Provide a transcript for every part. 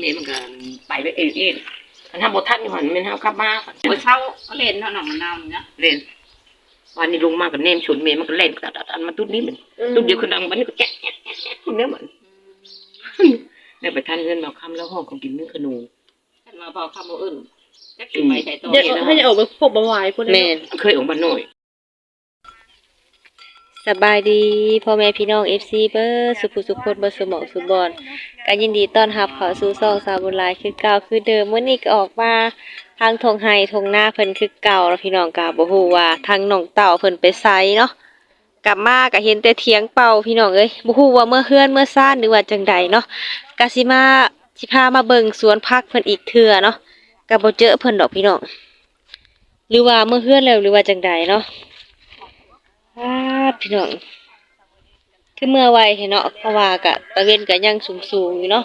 นี่มันก็ไปไปเองมันทำบททัดอยู่หันมันทำขับมาเมื่อเช้าเล่นเนาะหนังมันนาวเนี่ยเล่นวันนี้ลงมากับเนมชนเมย์มันก็เล่นตัดมาตุ้ดนี้มันตุ้ดเดียวคนดังวันนี้ก็แจ๊ะเนื้อเหมือนเนี่ยไปทานเงินมาคำแล้วห้องของกินเนื้อขนูท่านมาเผาคำเอาอื่นแจ๊กกินไปใส่ตัวให้จะออกไปพบบ่ไหวพุ่นแม่เคยออกมาหน่อยสบายดีพ่อแม่พี่น้อง FC เบอร์สุภุสุคนบ่สมองสุบอนก็ยินดีต้อนรับเข้าสู่ช่องสาวบุญหลายคือเก่าคือเดิมมื้อนี้ก็ออกมาทางทงไห้ทงหน้าเพิ่นคือเก่าแล้วพี่น้องก็บ่ฮู้ว่าทางน้องเต่าเพิ่นไปไสเนาะกลับมาก็เห็นแต่เถียงเป่าพี่น้องเอ้ยบ่ฮู้ว่าเมื่อเฮือนเมื่อซ่านหรือว่าจังใดเนาะก็สิพามาเบิ่งสวนผักเพิ่นอีกเทื่อเนาะก็บ่เจอเพิ่นดอกพี่น้องหรือว่าเมื่อเฮือนแล้วหรือว่าจังใดเนาะพี่น้องคือเมื่อไวเนาะเพราะว่ากะตะเวนกะยังสูงอยู่เนาะ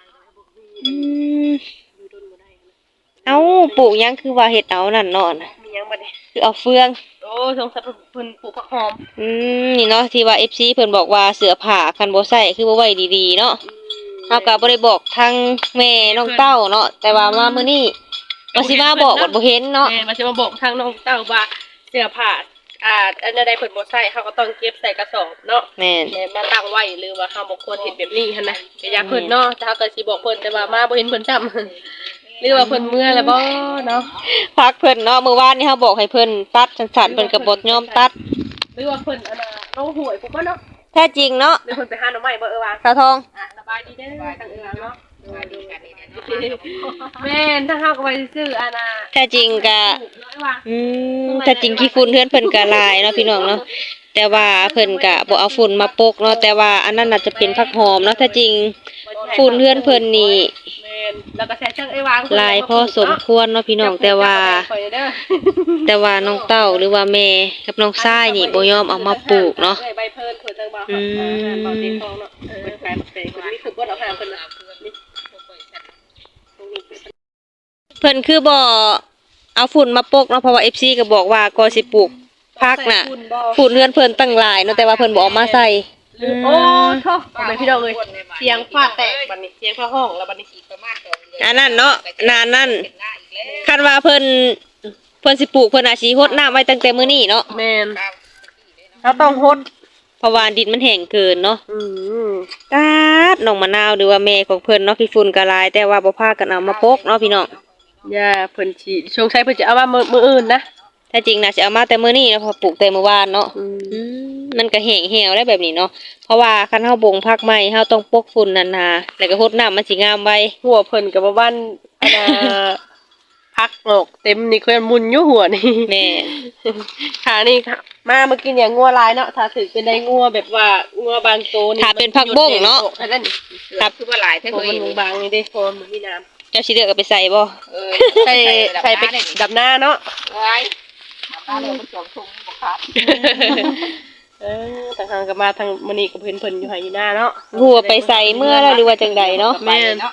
เอาปลูกยังคือว่าเฮ็ดเอานั่นเนาะมียังบ่ได้คือเอาเฟืองโอ้สงสัยเพิ่นปลูกผักหอมนี่เนาะที่ว่า FC เพิ่นบอกว่าเสื้อผ้าคันบ่ใส่คือบ่ไว้ดีๆเนาะเฮาก็บ่ได้บอกทางแม่น้องเต้าเนาะแต่ว่ามามื้อนี้ว่าสิมาบอกว่าบ่เห็นเนาะแม่มาสิมาบอกทางน้องเต้าว่าเสื้อผ้าอันใดเพิ่นบ่ใส่เฮาก็ต้องเก็บใส่กระสอบเนาะแม่นมาตั้งไว้หรือว่าเฮาบ่ควรเฮ็ดแบบนี้หั่นนะก็อยากเพิ่นเนาะแต่เฮาก็สิบอกเพิ่นแต่ว่ามาบ่เห็นเพิ่นซ้ำหรือว่าเพิ่นเมื่อแล้วบ่เนาะพักเพิ่นเนาะมื้อวานนี้เฮาบอกให้เพิ่นตัดสั้นๆเพิ่นก็บ่ยอมตัดหรือว่าเพิ่นน้องหวยปุ๊บเนาะแท้จริงเนาะหรือเพิ่นไปหาหน่อไม้บ่ว่าสาวทองสบายดีเด้อทางเนาะสบายดีกันนี่เนาะแม่นถ้าเฮาก็ไปซื้อแท้จริงก็แท้จริงขี้ฝุ่นเฮือนเพิ่นก็หลายเนาะพี่น้องเนาะแต่ว่าเพิ่นก็บ่เอาฝุ่นมาปกเนาะแต่ว่าอันนั้นน่าจะเป็นผักหอมเนาะแท้จริงฝุ่นเฮือนเพิ่นนี่แล้วก็ใช้เครื่องไอ้วางลายพอสมควรเนาะพี่น้องแต่ว่าน้องเต้าหรือว่าแม่กับน้องชายนี่บ่ยอมเอามาปลูกเนาะใบเพิ่นเพิ่นจังบ่บ่ติดทองเนาะเพิ่นขายบักเตยเพิ่นมีคือบ่เอาหาเพิ่นน่ะเพิ่นคือบ่เอาฝุ่นมาปกเนาะเพราะว่า FC ก็บอกว่าก็สิปลูกผักน่ะฝุ่นเฮือนเพิ่นตั้งหลายเนาะแต่ว่าเพิ่นบ่เอามาใส่โอ้โธ่บ่แม่พี่น้องเอ้ยเสียงฟ้าแตกบัดนี้เสียงฟ้าห้องแล้วบัดนี้ประมาณอันนั้นเนาะนานนั้นคันว่าเพิ่นสิปลูกเพิ่นอาจสิรดน้ำไว้ตั้งแต่มื้อนี้เนาะแม่นเราต้องรดเพราะว่าดินมันแห้งเกินเนาะตาดน้องมะนาวหรือว่าแม่ของเพิ่นเนาะขี้ฝุ่นก็หลายแต่ว่าบ่พากันเอามาปกเนาะพี่น้องย่าเพิ่นสิสงสัยเพิ่นจะเอามามื้ออื่นนะแท้จริงน่ะสิเอามาแต่มื้อนี้แล้วพอปลูกแต่มื้อวานเนาะมันก็แห้งแห้วได้แบบนี้เนาะเพราะว่าคันเฮาบ่งผักใหม่เฮาต้องปกฝุ่นนั่นน่ะแล้วก็รดน้ำมันสิงามไว้หัวเพิ่นก็บ่บ้านพักโลกเต็มนี่เพิ่นมุนอยู่หัวนี่แม่ค่ะนี่ค่ะมาเมื่อกี้เนี่ยงัวลายเนาะถ้าถือเป็นได้งัวแบบว่างัวบางโตนี่ถ้าเป็นผักบงเนาะนั่นนี่ครับคือว่าหลายแท้เพิ่นบางนี่เด้พอมันมีน้ำเจ้าสิเลือกเอาไปใส่บ่ใส่ไปดับหน้าเนาะไว้ดับหน้าเลยมันจมทุ่งบ่ครับทางก็มาทางมื้อนี้ก็เพิ่นอยู่ให้อยู่หน้าเนาะหัวไปใส่เมื่อแล้วหรือว่าจังใดเนาะแม่น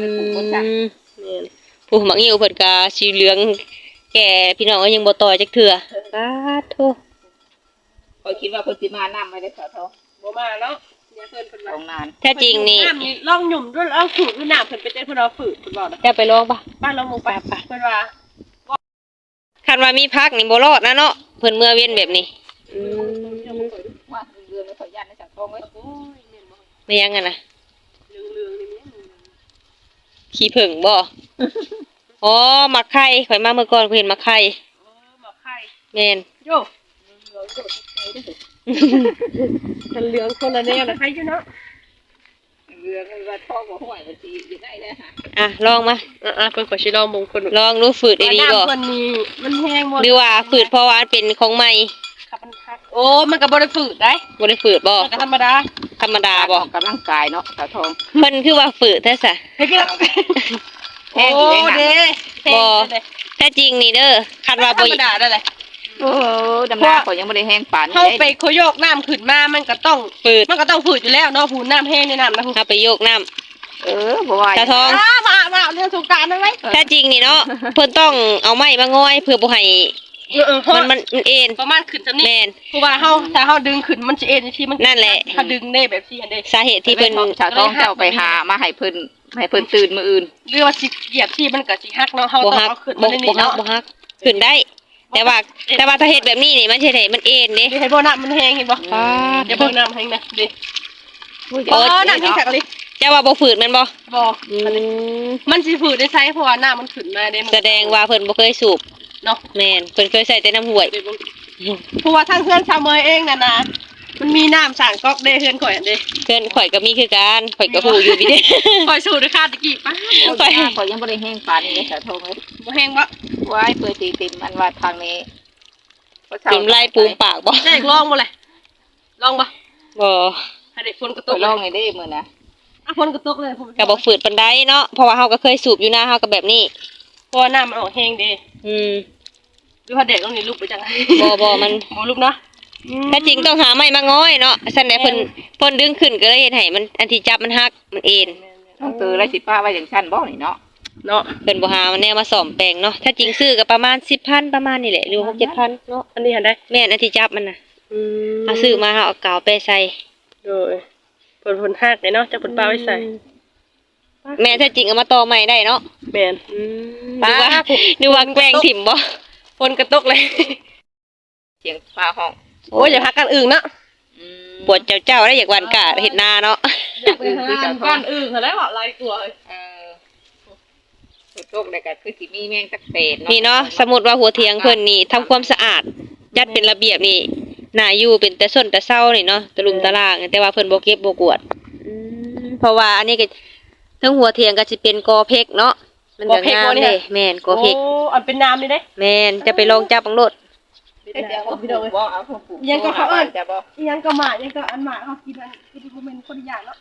ผู้หมักหิวเพิ่นก็สีเหลืองแก่พี่น้องก็ยังบ่ต่อยจักเทื่อสาธุข้อยคิดว่าเพิ่นสิมาน้ำไม่ได้สาวทองบ่มาแล้วเนี่ยเพิ่นว่าตรงนั้นแท้จริงนี่ลองหยุ่มด้วยเอาฝืดด้วยน้ำเพิ่นไปเต้นเพิ่นเอาฝืดเพิ่นบอกนะจะไปลองป่ะบ้านเราหมู่ไปเพิ่นว่าคันว่ามีพักนี่บ่รอดนะเนาะเพิ่นเมื่อเว้นแบบนี้ว่าเรือไม่ขอยันในสังทองเอ้ยไม่ยังอ่ะนะเรื่องๆนี่ขี้ผึ่งบ่อ๋อมักไข่ข่อยมาเมื่อก่อนข่อยเห็นมักไข่มักไข่แม่นโยมันเหลืองคนละแนวนะใครอยู่เนาะเรือมันว่าทองบ่ห้วยมันสิอยู่ได้เลยค่ะลองมาเพิ่นก็สิลองมงคลลองดูฝืดดีๆบ่มันนี่มันแห้งบ่หรือว่าฝืดเพราะว่าเป็นของใหม่โอ้มันก็บ่ได้ฝืดได้บ่ได้ฝืดบ่ธรรมดาบ่กำลังกายเนาะสาวทองเพิ่นคือว่าฝืดแท้ซะโอ้เด้บ่แท้จริงนี่เด้อคันว่าบ่ธรรมดาได้เลยโอ้ดำหน้าเขายังบ่ได้แห้งปานนี้เฮาไปโคโยกน้ำขึ้นมามันก็ต้องฝืดอยู่แล้วเนาะหูน้ำแห้งในน้ำนะเฮาไปโยกน้ำบ่ไหวตาทองมาเรื่องสงกรานต์ได้มั้ยแท้จริงนี่เนาะเพิ่นต้องเอาไม้มาง้อยเพื่อบ่ให้มันเอ็นประมาณขึ้นซำนี้แม่นเพราะว่าถ้าเฮาดึงขึ้นมันสิเอ็นที่มันนั่นแหละถ้าดึงได้แบบที่อันใดสาเหตุที่เพิ่นชาวท้องเจ้าไปหามาให้เพิ่นตื่นมื้ออื่นหรือว่าสิเหยียบที่มันก็สิหักเนาะเฮาบ่ต้องฮักเอาขึ้นบ่มาในนี้ฮักเนาะบ่ฮักขึ้นได้ แต่ว่าถ้าเฮ็ดแบบนี้นี่มันสิได้มันเอ็นเด้เห็นบ่น้ำมันแห้งเห็นบ่อย่าเบิ่งน้ำแห้งนะดิน้ำแห้งคักเลยเจ้าว่าบ่ฝืดแม่นบ่บ่อืมมันสิฝืดได้ใช้เพราะว่าน้ำมันขึ้นมาเด้มันแสดงว่าเพิ่นบ่เคยสูบเนาะแม่นเพิ่นเคยใส่แต่น้ำห้วยเพราะว่าทางเพื่อนชาวเมยเองน่ะนะมันมีน้ำสั่งก๊อกเด้เพื่อนข่อยอันเด้เพื่อนข่อยก็มีคือกันข่อยก็ฮู้อยู่พี่เด้ข่อยสูดด้วยค่าตะกี้ป้าข่อยข่อยยังบ่ได้แห้งปานนี้ชาวท้องเอ้ยบ่แห้งบ่ไว้เปิดตีติมมันว่าทางนี้กินไล่ปูมปากบ่ได้ลองบ่เลยลองบ่บ่ให้ได้ฝนกระตตัวกลองไงเด้มื้อนะอ่ะฝนกระตกเลยผมก็บ่ฝืดปานใดเนาะเพราะว่าเฮาก็เคยสูบอยู่นะเฮาก็แบบนี้เพราะว่าน้ำมันออกแห้งเด้อืมหรือว่าเด็กต้องนี่ลุกไปจังบ่มันบ่ลุกเนาะถ้าจริงต้องหาไม้มาง้อยเนาะซั่นแหละเพิ่นดึงขึ้นก็เลยเฮ็ดให้มันอันที่จับมันหักมันเอ็นต้องตื่นแล้วสิป้าไว้จังซั่นบ่นี่เนาะเนาะเพิ่นบ่หามันแนวมาซ่อมแปลงเนาะถ้าจริงซื้อก็ประมาณ 10,000 ประมาณนี่แหละหรือ 6-7,000 เนาะอันนี้หันได้แม่นอันที่จับมันน่ะเอาซื้อมาเฮาเอากาวไปใส่โดยฝนหักเลยเนาะจะฝนปลาไว้ใส่แม่ถ้าจริงเอามาต่อใหม่ได้เนาะแม่นนึกว่าแกล้งถิ่มบ่ฝนกระตกเลยเสียงฟ้าห้องโอ้ยอย่าพักกันอึ่งเนาะปวดเจ้าได้อยากหวานกะเฮ็ดนาเนาะอยากไปหาก้อนอึ่งเขาได้ว่าลายตัวเลยโชคได้ก็คือสิมีแมงสักเศษนี่เนาะสมมุติว่าหัวเถียงเพิ่นนี่ทำความสะอาดจัดเป็นระเบียบนี่น่าอยู่เป็นแต่ส้นแต่เศร้านี่เนาะตะลุมตะลางแต่ว่าเพิ่นบ่เก็บบ่กวาดเพราะว่าอันนี้ก็ทั้งหัวเถียงก็สิเป็นกอเพกเนาะมันก็งามเด้แม่นกอเพกโอ้อันเป็นน้ำนี่เด้แม่นจะไปลองจับบังโลดเดี๋ยวพี่น้องบ่เอาของปู่จะบ่ยังก็หมายังก็อันหมาเขากินอันกินที่เป็นคนอย่างเนาะ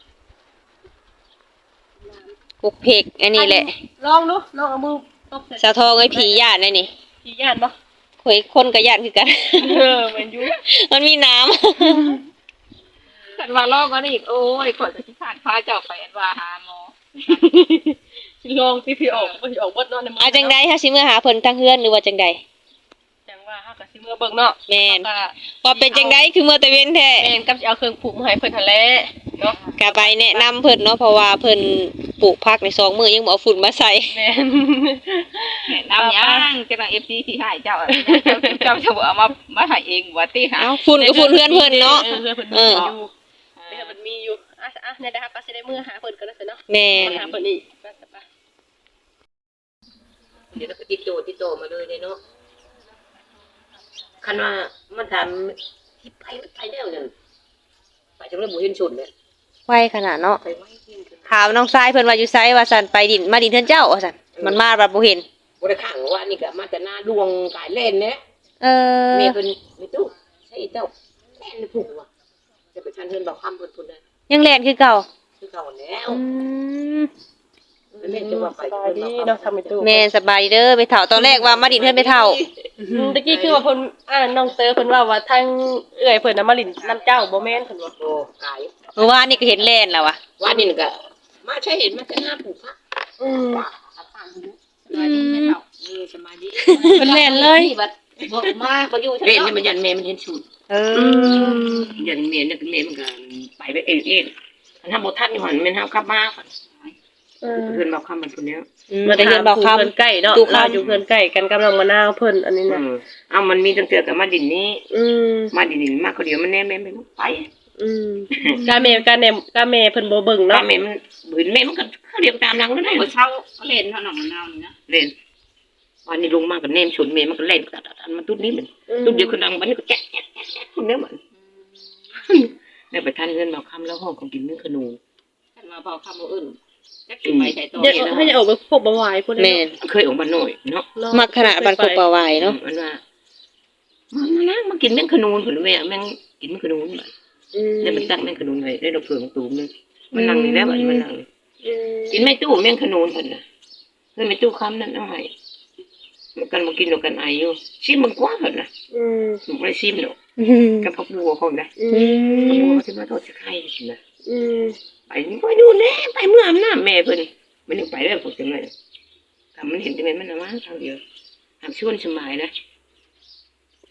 กุกเพกอันนี้แหละลองดูลองเอามือตบใส่สาวทองไอ้ผีย่านได้นี่ขี้ย่านบ่ข่อยคนก็ย่านคือกันเหมือนอยู่มันมีน้ำคันว่าลอกก็อีกโอ้ยข่อยก็สิขาดพาเจ้าไปอันว่าหาหมอลองพี่ออกบ่สิออกเบิดเนาะในมืเอาจังใดเฮาสิมื้อหาเพิ่นทางเฮือนหรือว่าจังใดจังว่าเฮาก็สิมือเบิ่งเนาะแม่นว่าเป็นจังใดคือมื้อตะเว้นแท้แม่นกับสิเอาเครื่องปลูกมาให้เพิ่นหั่นแหละเนาะก็ไปแนะนำเพิ่นเนาะเพราะว่าเพิ่นปลูกผักใน2มื้อยังบ่เอาฝุ่นมาใส่แม่นน้ำย่างจะต้อง FC ที่ให้เจ้าเจ้าจะบ่เอามาให้เองว่าติหาเอ้าฝุ่นก็ฝุ่นเฮือนเพิ่นเนาะเพื่อนเพิ่นมีอยู่เดี๋ยวมันมีอยู่อ่ะเนี่ยนะครับก็สิได้มือหาเพิ่นก็ได้เนาะแม่นมาหาเพิ่นอีกไปเดี๋ยวก็ติดโตมาเลยเนาะคันว่ามันถามที่ไปแล้วนั่นไปจังเลยบ่เห็นชุดเลยไวขนาดเนาะไปไม่เห็นถามน้องชายเพิ่นว่าอยู่ไสว่าซั่นไปดินมาดินเทือนเจ้าว่าซั่นมันมาบัดบ่เห็นบ่ได้ข้างว่านี่ก็มาแต่หน้าดวงกายเล่นเนี่ยเออแม่เพิ่นไม่ตู้ใช่เจ้าแม่นผูกว่ะจะไปชันเพิ่นบอกคำเพิ่นพุ่นได้ยังแล่นคือเก่าคือเก่าแล้วอืมแม่จะว่าไปสบายดีเนาะทำไปตู้แม่สบายดีเด้อไปเฒ่าตอนแรกว่ามาดินเทือนไปเฒ่าตะกี้คือว่าเพิ่นน้องเตอเพิ่นว่าทางเอื้อยเพิ่นน่ะมาลิ้นน้ำเจ้าบ่แม่นเพิ่นว่าโอ้กายเมื่อวานนี่ก็เห็นแล่นแล้วว่ะว่านี่ก็มาใช่เห็นมาแต่หน้าผูกพักอืมว่าสบายดีแม่เฒ่าสบายดีเพิ่นแล่นเลยบัดบ่มาบ่อยู่เล่นนี่มันยันแม่มันเห็นชุดเออยันแม่นี่แม่มันก็ไปเองมันทำบ่ทันอยู่หั่นแม่นเฮากลับมาก่อนเพิ่นบอกคำมันพุ่นเนี้ยมาแต่เฮือนบอกคำเพิ่นใกล้เนาะเราอยู่เพิ่นใกล้กันกับน้องมะนาวเพิ่นอันนี้น่ะเอามันมีตั้งเตือกับมาดินนี้อืมมาดินนี้มาคนเดียวมันแน่แม่ไม่ไปอืมกาแม่เพิ่นบ่เบิ่งตาเนาะแม่มันบืนแม่มันก็เขาเดียวตามหลังนั่นแหละเช้าเล่นเท่าหนองมะนาวนี่นะเล่นวันนี้ลงมากับแนมชนแม่มันก็เล่นอันมันตุ้ดนี้มันตุ้ดเดียวคนดังวันนี้ก็แจ๊ะคนเนี้ยมันเนี่ยไปทานเงินมาคำแล้วห้องของกินเนื้อขนูท่านมาเผาคำบ่อื่นจักสิไปใส่ตัวเดี๋ยวให้ออกไปพบบ่ไหวพุ่นแม่นเคยออกมาหน่อยเนาะมักขนาดบันกบปลาไหวเนาะมันว่ามานั่งมากินเนื้อขนูผลแม่แม่งกินเนื้อขนูแบบเนี่ยมันตั้งเนื้อขนูไว้ได้ดอกเผือกตูมนึงมันนั่งนี่แล้วมันนั่งกินไม่ตู้แม่งขนูผลนะเพื่อนไม่ตู้คำนั่นเอาให้มันกันมากินดอกกันไออยู่ชิมมันกว้างผลนะหนูไม่ได้ชิมหรอกกับพักบัวของนะพักบัวที่มาทอดจะไข่สินะไปนี่ไปดูแน่ไปเมื่ออำนาจแม่เพิ่นมันยังไปได้พวกจังเลยแต่มันเห็นจังเลยมันน่ะมาทางเดียวทางชวนสมัยนะ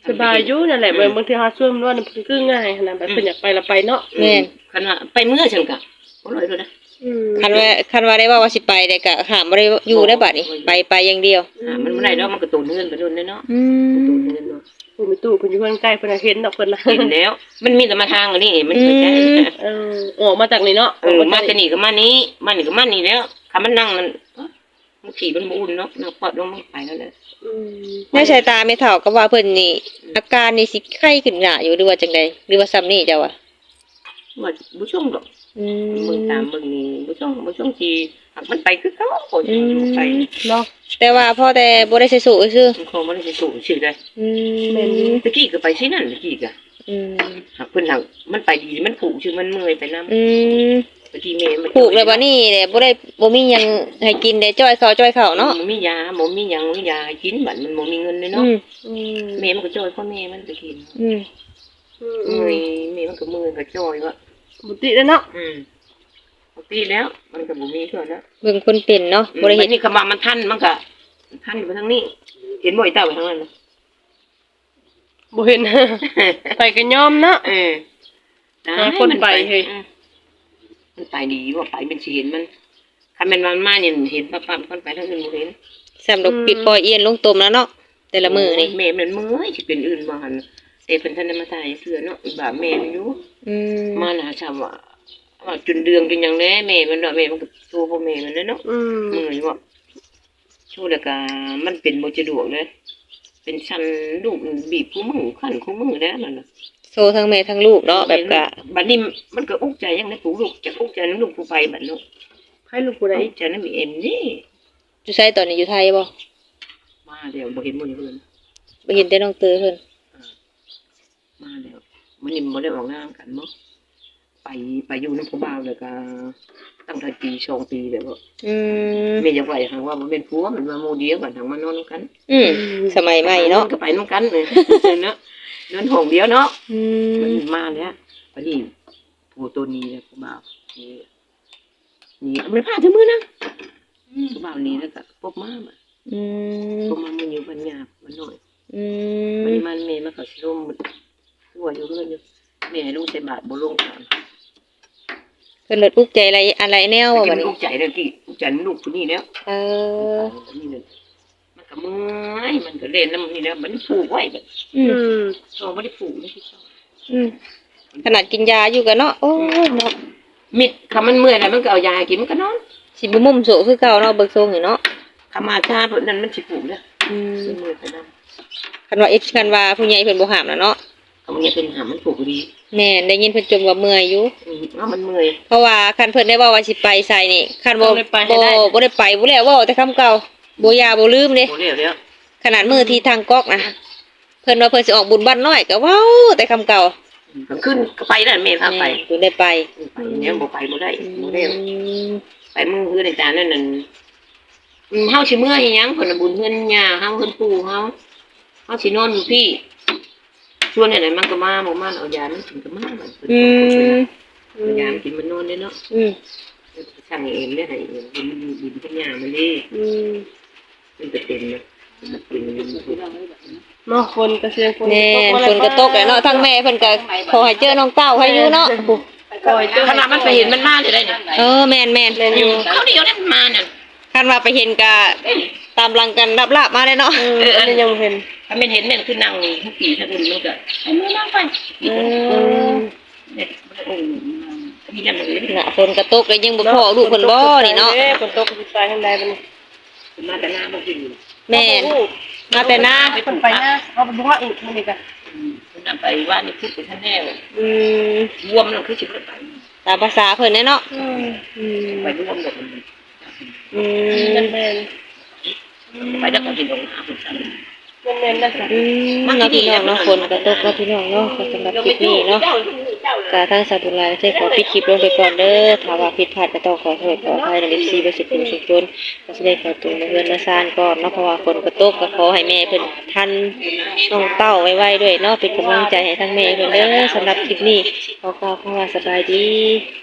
สบายอยู่นั่นแหละบางทีเฮาช่วยมันว่ามันคือง่ายขนาดแบบเพิ่นอยากไปแล้วไปเนาะแม่นคันว่าไปเมื่อฉันก็บ่ลอยเลยนะคันว่าได้ว่าสิไปได้ก็ห้ามบ่ได้อยู่ได้บัดนี้ไปอย่างเดียวมันบ่ได้ดอกมันก็ตูนเงินไปโดนเนาะอืมตูนเงินเนาะผู้มีตู้เพิ่นอยู่เพิ่นใกล้เพิ่นน่ะเห็นดอกเพิ่นน่ะเห็นแล้ว มันมีแต่มาทางอันนี้มันเข้าใจออกมาจากนี่เนาะมาแต่นี่ก็มานี้มานี่ก็มานี่แล้วคันมันนั่งมันขี่มันบ่อุ่นเนาะนั่งปอดลงมันไปแล้วแหละในสายตาแม่เฒ่าก็ว่าเพิ่นนี่อาการนี่สิไข้ขึ้นหน้าอยู่หรือว่าจังได๋หรือว่าซ้ำนี่เจ้าอ่ะว่าบ่ช่วงดอกอืเบิ่งตามเบิ่งนี่บ่ช่วงที่หักมันไปคือเขาโอ้ยอยู่ไปเนาะแต่ว่าพอแต่บ่ได้ใส่สูซื่อมันคงบ่ได้สิสู้ชื่อได้อืมตะกี้ก็ไปสินั่นตะกี้ก็อืมหักเพิ่นหักมันไปดีมันผูกชื่อมันเมื่อยไปนำอืมตะกี้แม่มันผูกแล้วบัดนี้แหละบ่มีหยังให้กินได้จ้อยข้าวเนาะบ่มียาบ่มีหยังมียาให้กินบัดมันบ่มีเงินเลยอืเนาะมแม่มันก็จ่อยพ่อแม่มันตะกี้อืมเมื่อยแม่มันก็เมื่อยก็จ่อยว่าบุติแล้วเนาะปกติแล้วมันก็บ่มีเท่านั้นเบิ่งคนเป็นเนาะบ่ได้เห็เฮ็นดนี่คำว่ามันทันมันก็ทันไปทางนี้ เห็นบ่อยเต้าไปทางนั้นบ่เห็น ไปกันยอมเนาะ หาคนไปเฮ้ยมันไปดีว่าไปเป็นสิเห็นมันคันแม่นมันมาเนี่ยเห็นปั๊บๆคนไปทางอื่นบ่เห็นสำดอกปิดปล่อยเอียนลงตมแล้วเนาะแต่ละมื้อนี่แม่มันเมื่อยสิเป็นอื่นบ่หั่นแต่เพิ่นทันได้มาถ่ายเสื้อเนาะอีบ่าแม่มันอยู่อืมมาหาชาวว่าจนเดืองจนหยังแน่แม่มันเนาะแม่มันก็สู้พ่อแม่มันเนาะ เมื่อยว่าช่วงแล้วก็มันเป็นบ่สะดวกเลยเป็นชั้นลูกบีบคู่มือขั้นคู่มือแล้วนั่นน่ะโซทั้งแม่ทั้งลูกเนาะแบบกะบัดนี้มันก็อุกใจยังได้ปลูกลูกจะอุกใจน้ำลูกผู้ไปบัดเนาะให้ลูกผู้ใดอุกใจน้ำเอ็มนี่อยู่ไสตอนนี้อยู่ไทยบ่มาเดี๋ยวบ่เห็นมื้อนี้เพิ่นบ่เห็นแต่น้องเตยเพิ่นมาแล้วมื้อนี้บ่ได้ออกงานกันบ่ไปอยู่นำผู้บ่าวแล้วก็ตั้งแต่ปี2ปีแล้วบ่อืมแม่อยากไว้หังว่าบ่เป็นผัวมันมาหมู่เดียวกันหังมานอนนำกันอืมสมัยใหม่เนาะก็ไปนำกันเนาะนอนห้องเดียวเนาะอืมันมมาแล้วพอดีผู้ตัวนี้เลยผู้บ่าวนี่มันพาถึงมือนะผู้บ่าวนี้แล้วก็พบมาอืมพบมามันอยู่บัญญามันหน่อยอืมันมมันเมย์มาเขาชิลมหัวอยู่เรื่อยแม่ลุงใส่บาทบ่ลงกันเพิ่นลดอุกใจอะไรแนวว่าบัดนี้ลูกใจเลยกี่ลูกใจลูกคนนี้แล้วเออนี่เลยมันก็เมื่อยมันก็เล่นน้ำนี่แล้วมันผูกไว้แบบอืมชอบไม่ได้ผูกไม่ใช่ชอบอืมขนาดกินยาอยู่กันเนาะโอ้ยเนาะมิดคำมันเมื่อยแล้วมันก็เอายากินมันก็นอนสิบ่มุมโสคือเก่าเนาะเบิกทรงนี่เนาะคำมาชาเพราะนั้นมันสิผูกแล้วอืมเมื่อยไปนั่นคันว่าคันว่าผู้ใหญ่เพิ่นบ่ห้ามแล้วเนาะเอาเงี้ยเป็นหามันผูกดีแม่นได้ยินเพิ่นจมว่าเมื่อยอยู่เอามันเมื่อยเพราะว่าคันเพิ่นได้เว้าว่าสิไปใส่นี่คันบ่ต้องได้ไปให้ได้บ่ได้ไปบ่แล้วเว้าแต่คำเก่าบ่ยาบ่ลืมเด้โอ้เรียวแล้วขนาดมื้อที่ทางก๊อกนะเพิ่นว่าเพิ่นสิออกบุญบ้านน้อยก็เว้าแต่คำเก่าก็ขึ้นก็ไปนั่นแม่พาไปเพิ่นได้ไปไปเนี่ยบ่ไปบ่ได้บ่ได้อืมไปมือคือในจานนั่นน่ะเฮาสิเมื่อยหยังเพิ่นน่ะบุญเฮือนย่าเฮาเฮือนปู่เฮาสินอนอยู่พี่ชวนไหนมันก็มาบ่มาเอายามันกินก็มาบัดอืมเอายามันกินมันนอนได้เนาะอืมสั่งเองได้ให้มันบุญเฮือนย่ามันดิอืมมันจะเป็นนะมันเป็นเนาะคนก็เสียงคนแน่ฝนก็ตกแล้วเนาะทั้งแม่เพิ่นก็ขอให้เจอน้องเต้าให้อยู่เนาะปล่อยเจ้าขนาดมันไปเห็นมันมาได้เนี่ยเออแม่นเขาเดียวได้มันมาน่ะคันว่าไปเห็นก็ตามหลังกันลาบๆมาเลยเนาะอันนี้ยังบ่เห็นถ้าไม่เห็นเนี่ยคือนั่งนี่ทุกปีถ้าคุณมันก็ไอ้มือนั่งไปเออเนี่ยโอ้มีนั่นเลยน่ะฝนก็ตกแล้วยังบ่พอลูกเพิ่นบ่นี่เนาะฝนตกสิไปทางใดบัดนี้มาแต่หน้ามันคือแม่นมาแต่หน้าเพิ่นไปหน้าเอาไปบ่ว่าอีกมื้อนี้ก็มันไปว่านี่พูดไปท่านแน่อืมรวมนั่นคือสิบไปตามภาษาเพิ่นแน่เนาะอืมไปรวมหมดอืแม่นไปแล้วก็กินตรงหาคุณสันๆแม่นๆนะจ๊ะอืมเนาะพี่น้องเนาะฝนก็ตกเนาะพี่น้องเนาะก็สำหรับคลิปนี้เนาะก็ทางสาธุลาได้ขอปิดคลิปลงไปก่อนเด้อถ้าว่าผิดพลาดก็ต้องขอโทษขออภัยใน FC บ่สิเป็นสุขจนก็สิได้ขอตัวมาเฮือนมาซ่านก่อนเนาะเพราะว่าฝนก็ตกก็ขอให้แม่เพิ่นทันน้องเต้าไว้ๆด้วยเนาะเป็นกำลังใจให้ทั้งแม่เพิ่นเด้อสำหรับคลิปนี้ขอกล่าวคำว่าสบายดี